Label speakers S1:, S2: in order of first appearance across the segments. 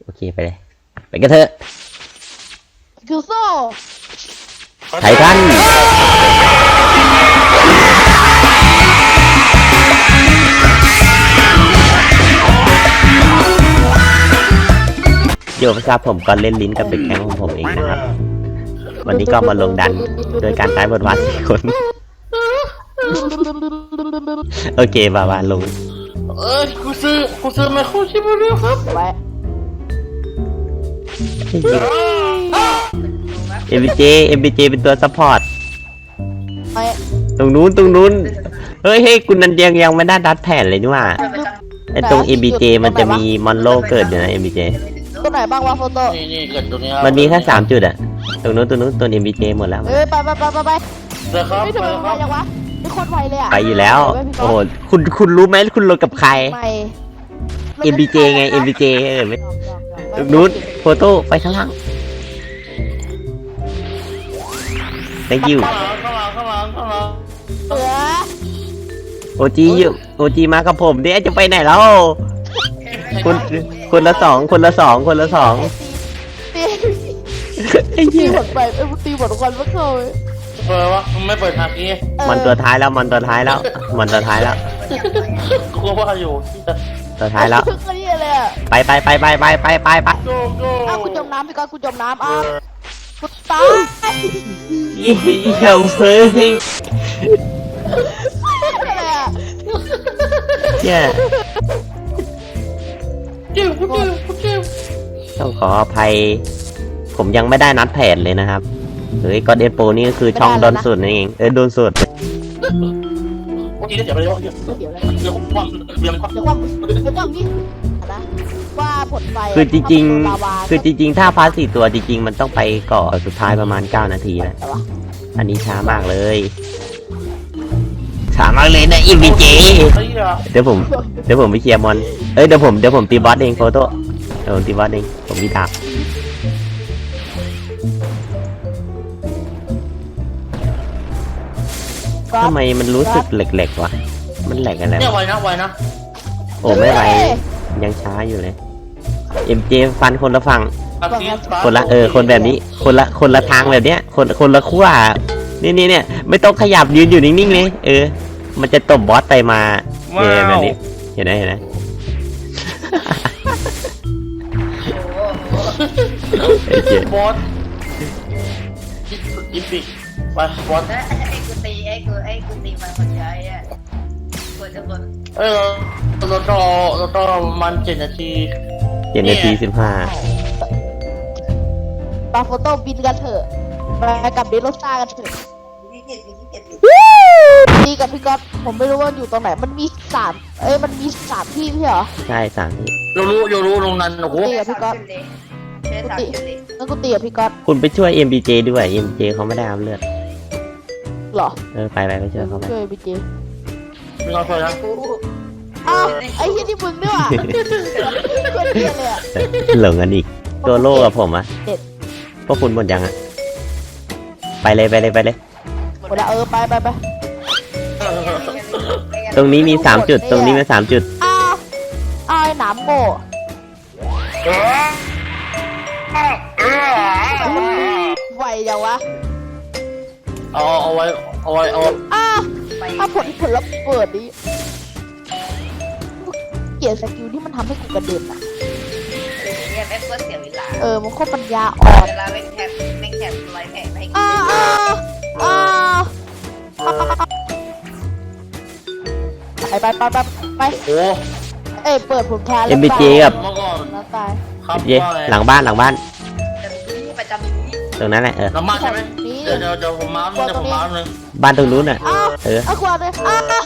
S1: โอเคไปเลยไปกันเถอะ
S2: คือโซ่
S1: ไททันโยมครับผมก็เล่นลิ้นกับเด็กแก๊งของผมเองนะครับวันนี้ก็มาลงดันโดยการใช้บทวาด4 คนโอเคบาลง
S3: กูซื้อไมโครชิปมาด้วยครับ
S2: ไว้
S1: MBJ เป็นตัวซัพพอร์ต
S2: ไว้
S1: ตรงนู้นเฮ้ยคุณนันยังไม่ได้ดัดแผ่นเลยนี่ว่าไอตรง MBJ มันจะมีมอนโลเกิดอยู่นะ MBJ
S2: ตัวไหนบ้างวะโฟโต้
S3: นี่เกิดตัวนี้
S1: มันมีแค่3 จุดอะตรงนู้นตัว MBJ หมดแล้ว
S2: เอ้ยไป
S3: เดี๋ยวครับ
S2: ไม่ทำไมมันไวจังวะไม่โคตรไวเลยอ่ะ
S1: ไปอยู่แล้วโอ้โหคุณรู้ไหมคุณลงกับใคร
S2: ไม่
S1: MBJ ไง MBJ ไม่ตรงนู้นโฟโต้ไปข้างล่าง thank you
S3: ข้างหลัง
S2: เสือ
S1: OG มากับผมเนี่ยจะไปไหนแล้วคนละสอง
S2: ตี
S1: ไอ้เหี้ย
S2: หมดไปตีหมดควันไม่เข้าเลย
S3: เปิดวะไม่เปิดทางนี้
S1: มันตัวท้ายแล้ว
S3: กูว่าอยู่
S1: ตัวท้ายแล้ว
S2: คือคนนี้เลยอ่ะ
S1: ไป
S3: โก้
S2: อ้าวกูจมน้ำพี่ก้อนกูจมน้ำอ้าวกูตาย
S1: เหี้ยเฟ้ย
S2: อะไรอ่ะ
S1: เนี่ย
S3: จิ้ว
S1: ต้องขออภัยผมยังไม่ได้นัดแผนเลยนะครับเฮ้ยก็เดนโปนี่ก็คือช่องโดนสุดนั่นเองโดนสุด
S3: วันนี้เดี๋ยวไปเดี๋ยวความเดี๋ยว
S2: เดี๋ยวความนี้นะว่าผลไฟ
S1: คือจริงๆถ้าพาร์ท4 ตัวจริงๆมันต้องไปเกาะสุดท้ายประมาณ9 นาทีนะอันนี้ช้ามากเลยนะ MBJ เดี๋ยวผมไปเคลียร์มอนเดี๋ยวผมตีบอสเองโฟโต้เดี๋ยวผมตีบอสเองผมมีดาบทำไมมันรู้สึกแหลกๆวะมันแหลกอะไร
S3: เนี่ยไวนะ
S1: โอ้ไม่ไหวยังช้าอยู่เลย MJ ฟันคนละฝั่งคนละคนแบบนี้คนละทางแบบเนี้ยคนละขั้วนี่เนี่ยไม่ต้องขยับยืนอยู่นิ่งๆเลยมันจะตบบอสไปมาแบบนี้เห็นไหม
S3: บอสอีพิกไปบอส
S4: ไอ้กูตีมันคนใช้อ่ะกดจะกด
S3: เราต้องมัน7 นาที
S1: 7 นาที
S2: ปาโฟโต้บินกันเถอะไปกับเดโรซ่ากันเถอะ
S4: ที่เจ็ด
S2: ตีกับพี่ก๊อฟผมไม่รู้ว่าอยู่ตรงไหนมันมีมันมี3 ที่พี่เหรอ
S1: 15ใช่3ที่
S3: เรารู้ลงนั้นโอ้โห
S2: ตีกับพี่ก๊อฟ
S4: เลยเชื่อสามเลย
S2: แล้วกูตีกับพี่ก๊อฟ
S1: คุณไปช่วย MBJ ด้วย MBJ เขาไม่ได้อัพเลือด
S2: เหรอ
S1: ไปช่วยเขาไป
S2: ช่วยพี่เจ
S3: มีความสวยนะ
S2: อ้าวไอ้ที่มึงด้วยว่ะคนเดียวเลยอ่ะ
S1: หลงกันอีกตัวโล่กับผมอะ
S2: เด็ด
S1: พวกคุณหมดยังอะไปเลย
S2: หมดแล้วไป
S1: ตรงนี้มี3 จุดตรงนี้มี3 จุด
S2: อ้าวไอ้หนามโง่ไหวยังวะ
S3: เอาไว้
S2: อ้าวถ้าผลลัพธ์เปิดดิเกลียดสกิลที่มันทำให้กูกระเด็นอ่ะ
S4: เนี่ยแม่งก็เสียเวลา
S2: มันโคตรปัญญาอ่อน
S4: เวลาแม่งแคปร้อยแผงให้
S2: อ้าวไป
S3: โอ้
S2: เปิดผลแพ้แล้ว
S1: MBJ กับ
S3: เมื่อก่อน
S2: แล้วตาย
S3: ครับ
S1: MBJ หลังบ้าน
S4: จะนี้ประจำนี้
S1: ตรงนั้นแหละ
S3: น้ำมันใช่ไหมเดี๋ยวผมมาเลย
S1: บ้านตรงนู้นอะ
S2: อ้าวควาเลย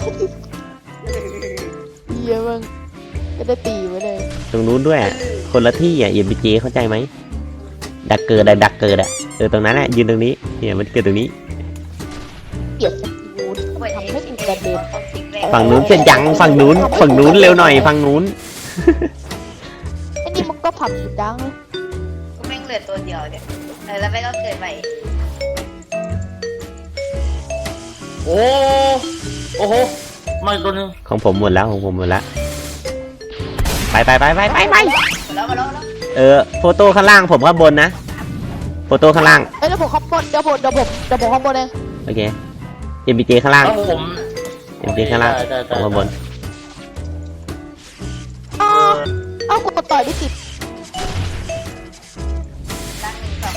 S2: เยี่ยมึงจะได้ตีไว้เลย
S1: ตรงนู้นด้วยอะคนละที่อะ MBJ เข้าใจไหมดักเกิดอะตรงนั้นแหละยืนตรงนี้เนี่ยมันเกิดตรงนี้
S2: เกลียดสกิลที่มันทำให้กูกระเด็น
S1: ฝั่งนู้นเสร็จยังฝั่งนู้นเร็วหน่อยฝั่งนู้น
S2: ไอ้นี่มันก็ผับสุดดังเลย
S4: ก็แม่งเหลือตัวเดียวเนี่ยแล้วแม่งก็เกิดใหม่
S3: โอ้โหไม่ตัวนึง
S1: ของผมหมดแล้วไป
S4: มาแล้ว
S1: โฟโต้ข้างล่างผมข้างบนนะโฟโต้ข้างล่าง
S2: เดี๋ยวผมข้างบนเดี๋ยวผมข้างบนเอง
S1: โอเค MPJ ข้างล่าง
S3: แล้วผม
S1: MPJ ข้างล่างผมข้างบน
S2: เอ้ากูต่อยไม่ติด
S4: ตั้งสอง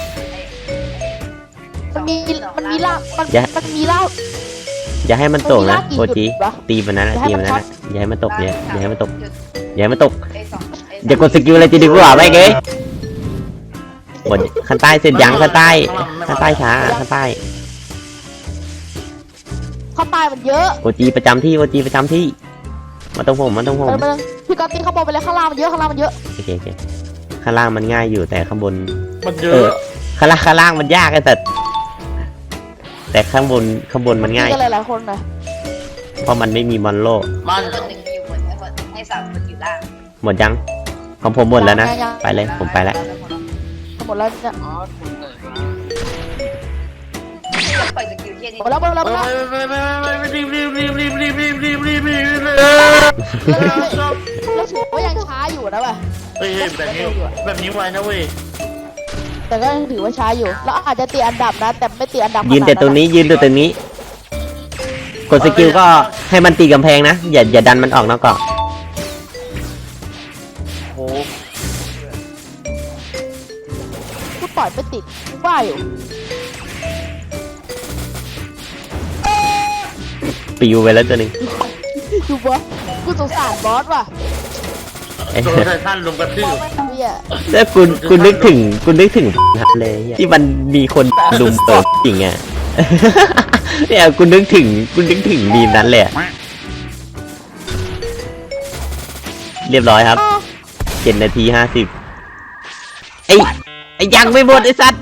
S2: มันมีล่ามันมีล่า
S1: อย่าให้มันตกนะ
S2: มันมี
S1: โอ
S2: ลากกี่
S1: จี
S2: จุดวะ
S1: ตีมันนั้นนะ
S2: อย่าให้
S1: ตีมันนั้น
S2: มัน
S1: นะอย่าให้มันตกเนี่ยอย่าให้มันตก
S4: จุด
S1: อย่าให้มันตก
S4: ไอ้สองไอ้
S1: อย่ากดสกิลอะไรจะดีกว่าไปเกยหมดข้างใต้เสร็จยังข้างใต้ช้าข้างใต้
S2: ข้างใต้มันเยอะ
S1: โอจีประจำที่มาตรงผม
S2: พี่ก๊อตตีข้างบนไปเลยข้างล่างมันเยอะข้างล่างมันเยอะ
S1: โอเคข้างล่างมันง่ายอยู่แต่ข้างบน
S3: มันเย
S1: เอ
S3: อะ
S1: อข้างล่างมันยากไอ้แต่ข้างบนมันง่าย
S2: ตีกันหลายๆคนนะ
S1: เพราะมันไม่มีมอนโล
S3: มัน
S4: คนหนึ่งอยู่บนให้สามคนอยู่ล่าง
S1: หมดยังของผมหมดแล้วนะไปเลยผมไปแล้ว
S2: หมดแล้วเนี่ย
S4: ปล่อยสกิลเทียนี่
S2: หมดแล้ว
S3: ไม่
S2: แล้วถือว่ายังช้าอยู่นะว่ะ
S3: เฮ้ยแบบนี้ไว้นะเว้ย
S2: แต่ก็ยังถือว่าช้าอยู่แล้วอาจจะตีอันดับนะแต่ไม่ตีอันดับ
S1: ยืนแต่ตรงนี้กดสกิลก็ให้มันตีกำแพงนะอย่าดันมันออกนอกเกาะ
S3: โอ้
S2: กูปล่อยไม่ติดกูว่าอยู่
S1: ปิวไปแล้วตัวหนึ่ง
S2: ดูบอสกูสงสารบอสว่ะ
S3: โดนไททันลงกระทื
S2: บอบ สไม่ทำเนี่ย
S1: แล้วคุณนึกถึงเลยที่มันมีคนลุมเปิดจริงอ่ะ เนี่ยคุณนึกถึงมีมนั้นเลยอะเรียบร้อยครับ7 นาที 50ไอ้ยังไม่หมดไอ้สัตว์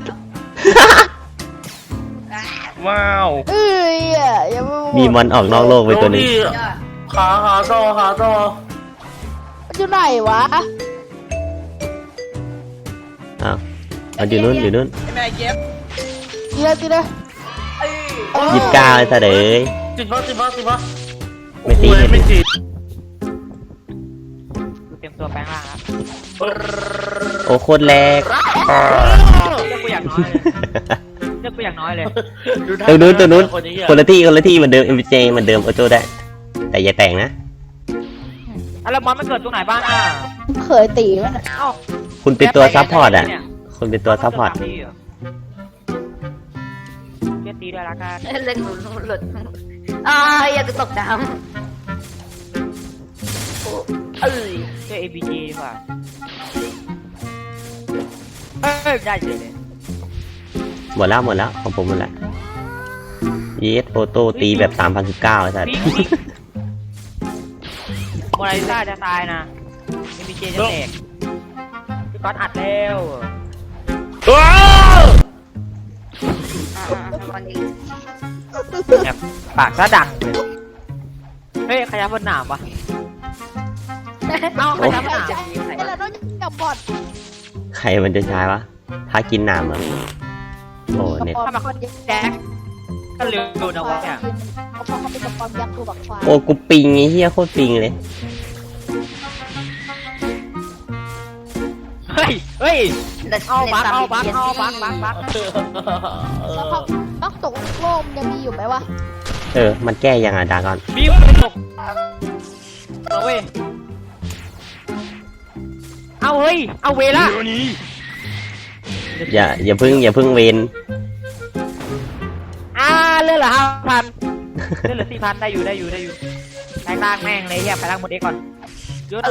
S3: ว้าว
S2: เอ้ยยังไม่
S1: มีมอนออกนอกโลกไปตัวหนึง
S3: ขาต่อ
S2: มันอยู่ไหนวะ
S1: อ้าวมันอยู่นู่น
S2: ตีเลย
S1: 29ไอ้สัตว์เอ้ย
S3: ติดปะ
S1: ไม่ตี
S3: ไม่ติด
S5: เตรียมตัวแปลงร่างครับ
S1: โอ้โคตรแรง
S5: เลือกกูอย่างน้อยเลยเลือกกูอย่างน้อยเลย
S1: ตัวนู้นคนละที่เหมือนเดิม MJ เหมือนเดิมโอโจได้ แต่อย่าแต่งนะ
S5: แล้วมอนมันเกิดตรงไหนบ้างอ่ะ
S2: เคยตีมัน
S5: เอ้า
S1: คุณเป็นตัวซัพพอร์ตอ่ะคุณเป็นตัวซัพพอร์ต
S5: เรียกตีด้วยละกัน
S4: เล่นหลุดอย่าตกน้ำ
S5: ช่วย ABG ดีกว่าได้เฉยเลย
S1: หมดแล้วของผมหมดแล้วยีสโอโต้ตีแบบ 3019ไอ้สัตว์
S5: โมนาลิซาจะตายนะ ABG จะแตกพี่ก๊อตอัดแล้ว
S4: คนนี้
S5: แบบปากซะดังเลยเฮ้ยขยับบนหนามปะเอาขยับบนหนาม
S2: ไอ้เราต้องจับบอด
S1: ใครมันจะใช้วะถ้ากินน้ำอ่ะโอ้เน็ต
S5: ถ้ามาคนแจ็คก็เร็วนะวะเนี่ย
S2: เขาพอเขาเป็นกระป๋อมยักษ์ตัวบักควาย
S1: โอ้กูปิงไอ้เหี้ยโคตรปิงเลย
S5: เฮ้ยเอาบัก
S2: แล้วพักบักตกโลมยังมีอยู่ไหมวะ
S1: มันแก้ยังอ่ะดากอน
S5: บีมตกเอาเว้ยเอาเฮ้ยเอาเวล่ะ
S1: อย่าเพึ่งเวน
S5: เลื่อนเหรอ5,000เลื่อนเหลือ4,000ได้อยู่แปลงร่างแม่งเลยเฮียแปลงร่างหมดเอ็กก่อนเยอะนะ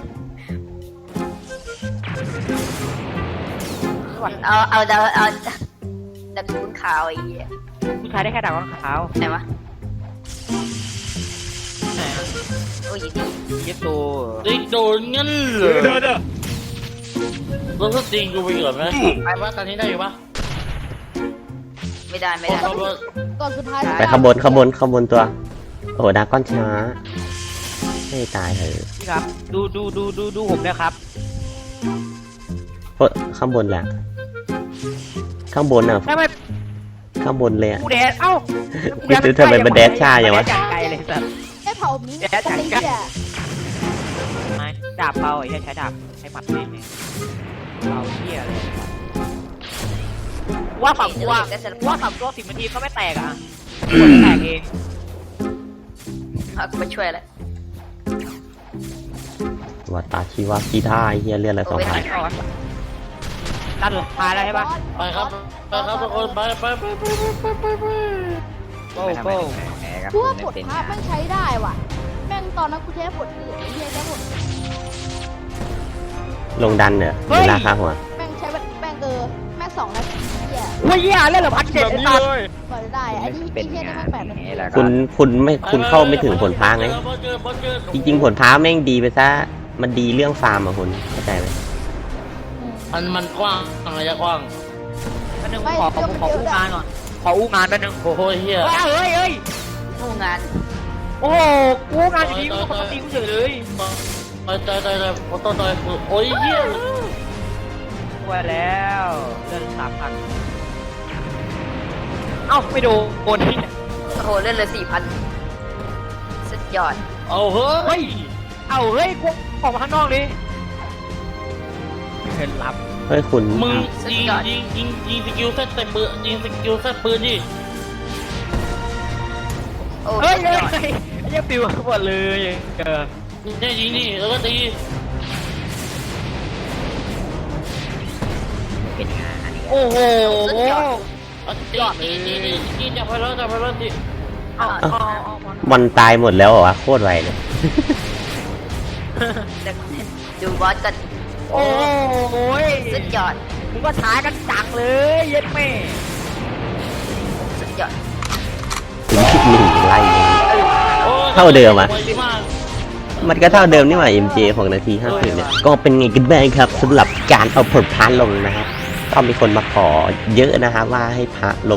S4: เอาดักคุ้นขาวไอ้เหี้ย
S5: ผู้ชายได้แค่ดาวขาว
S4: ไหนวะโอ้ยดี
S5: เย็บตัว
S3: ติดโดนงั้นเหรอแล้วก็ตีกูไปก่อนไหมไปว่าตอนนี้ได้อยู่ปะ
S4: ไม่ได้
S2: ก่อนสุดท้าย
S1: ไปข้างบนตัวโอ้ดากอนช้าไม่ตายเถอะ
S5: พี่ครับดูผมเลยครับ
S1: เพราะข้างบนแหละข้างบนอ่ะ
S5: ทำไม
S1: ข้างบนเลยอ่ะ
S5: กูแดดเอ้า
S1: ทำไมมันแดดช้าอย่างวะ
S5: แดดจากไกลเลยสัตว์
S2: ไอ้เผามีไอ้เหี้ย
S5: ดาบเบาไอ้ใช้ดาบใช้หมัดนี่ว่าฝั่งกูว่า
S4: ได้เสร็จ
S5: ว่าฝั่งตัว10 นาทีก็ไม่แตกอ่ะกดแตกเอง
S4: กูไปช่วยแล้ว
S1: ว่าตาชีวากีท่าไอ้เฮียเลือดละ2,000
S5: ด้านสุดท้ายแล้วใช่ปะ
S3: ไปครับไปครับทุกคนไป
S5: โก้
S6: ไม่ทำไม
S5: โก้
S6: ถึงแพ้ครับ
S2: กูว่า
S6: ไม่
S2: ผล
S6: เป็น
S2: ภาพแม่งใช้ได้ว่ะ แม่งตอนนั้นกูใช้ผลอื่นไอ้เหี้ยใช้ผล
S1: ลงดันเหรอหรือราคาหัว
S2: แม่งใช้แบบแม่งแม่ง2 นาทีเหี้ย
S5: เฮ้ยเหี้ยเล่นเหรอพันเจ็ดไอ้สัตว์
S2: กว่าจะได้ไอ้นี่
S6: เป็
S2: ไอ้
S6: น
S2: เหี้ยนี่
S6: งา
S2: แม่
S6: น
S2: ง8 นาที
S6: นี้แล้วก็
S1: คุณเข้าไม่ถึงผลพ้าไง จริงๆผลพ้าแม่งดีไปซะ มันดีเรื่องฟาร์มอะคุณเข้าใจไหม
S3: มันกว้างระยะกว้าง
S5: แป๊บนึงขออู้งานก่อนขออู้งานแป๊บนึง
S3: โอ้โหเฮีย
S5: เฮ้ย
S4: ผู้งาน
S5: โอ้โหอู้งานอยู่ดีกูปกติกูเฉยเลย
S3: ใจโอ้ยเฮีย
S5: ไว้แล้วเดิน3,000เอ้าไม่โดนที่
S4: โอ้โหเล่นเลย4,000สุดยอด
S3: เอาเฮ้ย
S5: เอาเฮ้ยกูออกมาข้างนอกดิเห็นรับ
S1: เฮ้ยคุณ
S3: มึงยิงสกิลเซตเต็มปืนยิงสกิลเซตปืนดิ
S4: โอ้
S5: เฮ้ย
S4: สุด
S5: เฮ้ย
S4: ยอด
S5: เฮ้ยปิวหมดเลย
S3: เนี่ยยิงนี่แล้วก็ตี
S6: เป็นงานนี้
S5: โอ้โห
S3: ตีจับไปแล้วตี
S5: เอา
S1: มันตายหมดแล้วเหรอวะโคตรไวเลย
S4: ดูบอสกัน
S5: โอ้ย
S4: สุดยอด
S5: มึงก็ท้ากันจังเลยเย็ดแม่
S4: สุดยอด
S1: คุณคิดหนึ่งไล่เท่าเดิมอ่ะ มันก็เท่าเดิมนี่หว่า MJ 6 นาที 50เนี่ย ก็เป็นไงกันบ้างครับสำหรับการเอาผลพาลงนะครับก็มีคนมาขอเยอะนะครับว่าให้พระลง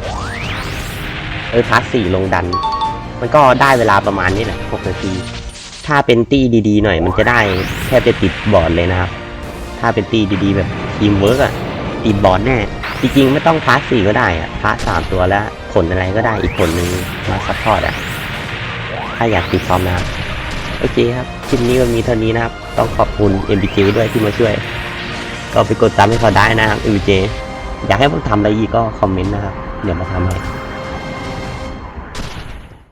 S1: 4พา4ลงดัน มันก็ได้เวลาประมาณนี้แหละ6 นาที ถ้าเป็นตี้ดีๆหน่อยมันจะได้แทบจะติดบอร์ดเลยนะครับ ถ้าเป็นตี้ดีๆแบบทีมเวิร์กอะติดบอร์ดแน่ จริงๆไม่ต้องพา4ก็ได้อะพา3ตัวแล้วผลอะไรก็ได้อีกผลนึงมาซัพพอร์ตอะถ้าอยากติดพร้อมนะครับโอเคครับคลิปนี้ก็มีเท่านี้นะครับต้องขอบคุณ MBJ ด้วยที่มาช่วย ก็ไปกดตามให้เขาได้นะครับ MBJ อยากให้ผมทำอะไรอีกก็คอมเมนต์นะครับเดี๋ยวมาทำให้